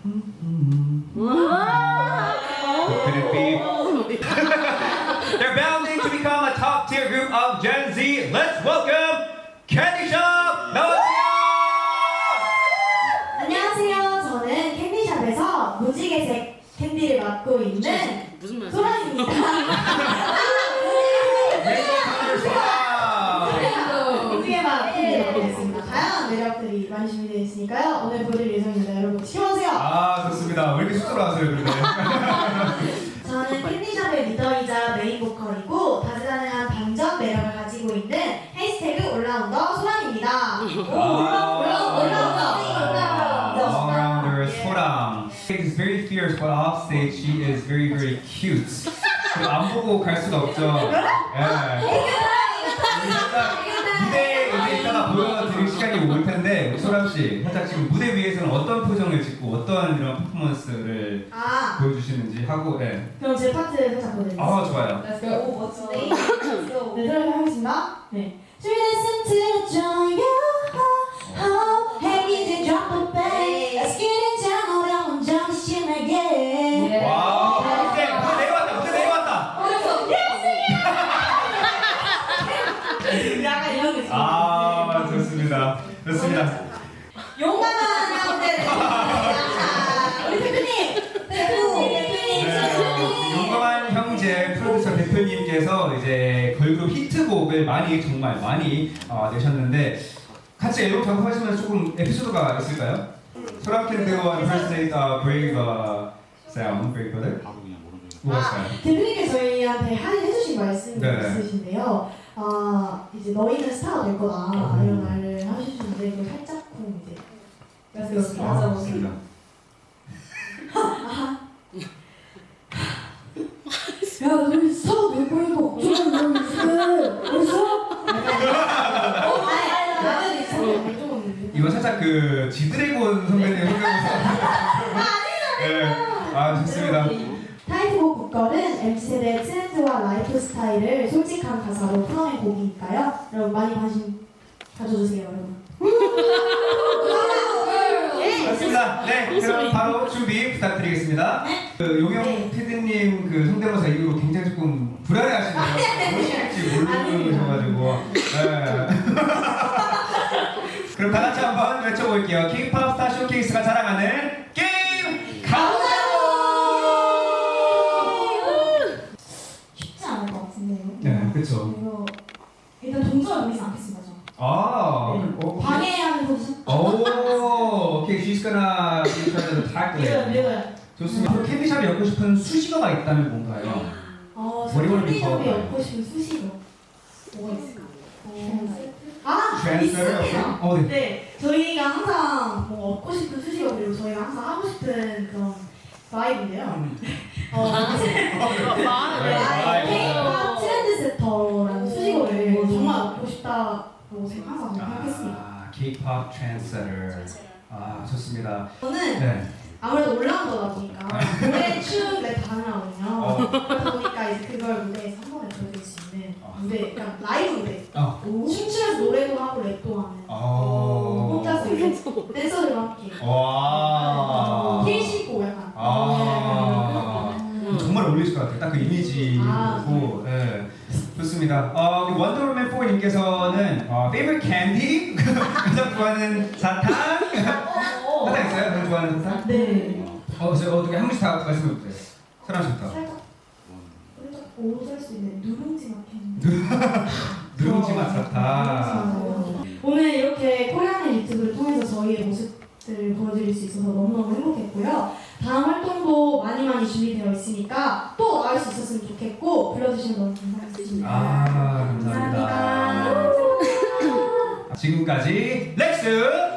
Could it be? They're bounding to become a top tier group of Gen Z. Let's welcome Candy Shop! 나와주세요! 안녕하세요. 저는 캔디샵에서 무지개색 캔디를 맡고 있는 무슨 말이야? 소랑입니다. 무지개만 캔디를 맡고 있습니다. 다양한 매력들이 많이 준비되어 있으니까요. 오늘 보여드릴 예정입니다. 여러분 시원하세요. 아 좋습니다. 왜 이렇게 쑥 들어왔어요 그런데? 저는 캔디샵의 리더이자 메인 보컬이고 다재다능한 반전 매력을 가지고 있는 해시태그 올라운더 소랑입니다. All-rounder 소랑. Is very fierce, but off stage she is very very cute. 안 보고 갈 수가 없죠. 무대에 이제 이따가 보여드릴 시간이 올 텐데 우리 소랑 씨, 살짝 지금 무대 위에서는 어떤 표정을 짓고 어떤 이런 퍼포먼스를 보여주시는지 하고, 그럼 제 파트 살짝 보여드릴게요. 아 좋아요. 오 멋지네. 네, 들어가겠습니다. 네. Listen to the joy Hey, DJ drop the bass. Let's get it down. 어려운 정신에게. 와, 무대 내려왔다, 무대 내려왔다. 약간 이런 느낌. 아 좋습니다, 좋습니다. 용감한 형제들. 우리 대표님. 대표님. 용감한 형제 프로듀서 대표님께서 이제 걸그룹 히트곡을 정말 많이 내셨는데 같이 앨범 작업하시면서 조금 에피소드가 있을까요? 소랑 캔디와 impersonate Brave Sound, Brave Brother? 뭐였어요? 대표님께서 저희한테 해주신 말씀이 있으신데요. 이제 너희는 스타가 될 거다 이런 말을 하시는데 그걸 살짝쿵 이제 맞습니다. 야, 너희 스타가 될 거니까 걱정하지 마. 벌써? 이거 살짝 그 지드래곤 선배님 생각나서. 아 좋습니다. 타이틀곡 보컬은 MZ세대의 트렌드와 라이프 스타일을 솔직한 가사로 풀어낸 곡이니까요. 여러분 많이 관심 가져주세요, 여러분. 맞습니다. 네, 그럼 바로 준비 부탁드리겠습니다. 그 용영 PD님 그 성대모사 이후로 굉장히 조금 불안해하시네요. 무엇일지 모르셔가지고. 그럼 다 같이 한번 외쳐볼게요. K-pop 스타 쇼케이스가 자랑하는 게임 카운트다운! 쉽지 않을 것 같은데요. 네, 그렇죠. 그래서 일단 동전을 보이지 않겠습니다, 저. 방해하는 포지션. 오케이, she's gonna try to tackle it. 좋습니다. 캔디샵이 엮고 싶은 수식어가 있다면 뭔가요? 캔디샵이 엮고 싶은 수식어. 뭐가 있을까? 트랜스레터? 있으면 네, 저희가 항상 뭐 얻고 싶은 수식어 그리고 저희가 항상 하고 싶은 그런 바이브인데요. K-pop 트렌드 세터라는 수식어를 정말 얻고 싶다고 항상 생각했습니다. K-pop trendsetter. 좋습니다. 저는 아무래도 올라운더다 보니까 노래, 춤, 랩 다 가능하거든요. 그러다 보니까 이제 그걸 무대에서 한 번에 보여줄 수 있는 무대, 그러니까 라이브 무대. 춤추면서 노래도 하고 랩도 하는. 혼자서 이제 댄서들과 함께. 힐 신고 약간. 정말 어울리실 것 같아요. 딱 그 이미지고. 네. 좋습니다. 우리 원더우먼 4님께서는 favorite candy? 가장 좋아하는 사탕? 사탕 있어요? 가장 좋아하는 사탕? 네. 어떻게 한 분씩 다 말씀해 보세요. 사랑 씨부터. 살짝 오살 수 있는 누룽지 맛 캔디. 누룽지 맛 사탕. 오늘 이렇게 코리안의 유튜브를 통해서 저희의 모습들을 보여드릴 수 있어서 너무너무 행복했고요. 다음 활동도 많이 준비되어 있으니까 또 나올 수 있었으면 좋겠고 불러주시면 너무 감사하겠습니다. 감사합니다. 지금까지 렉스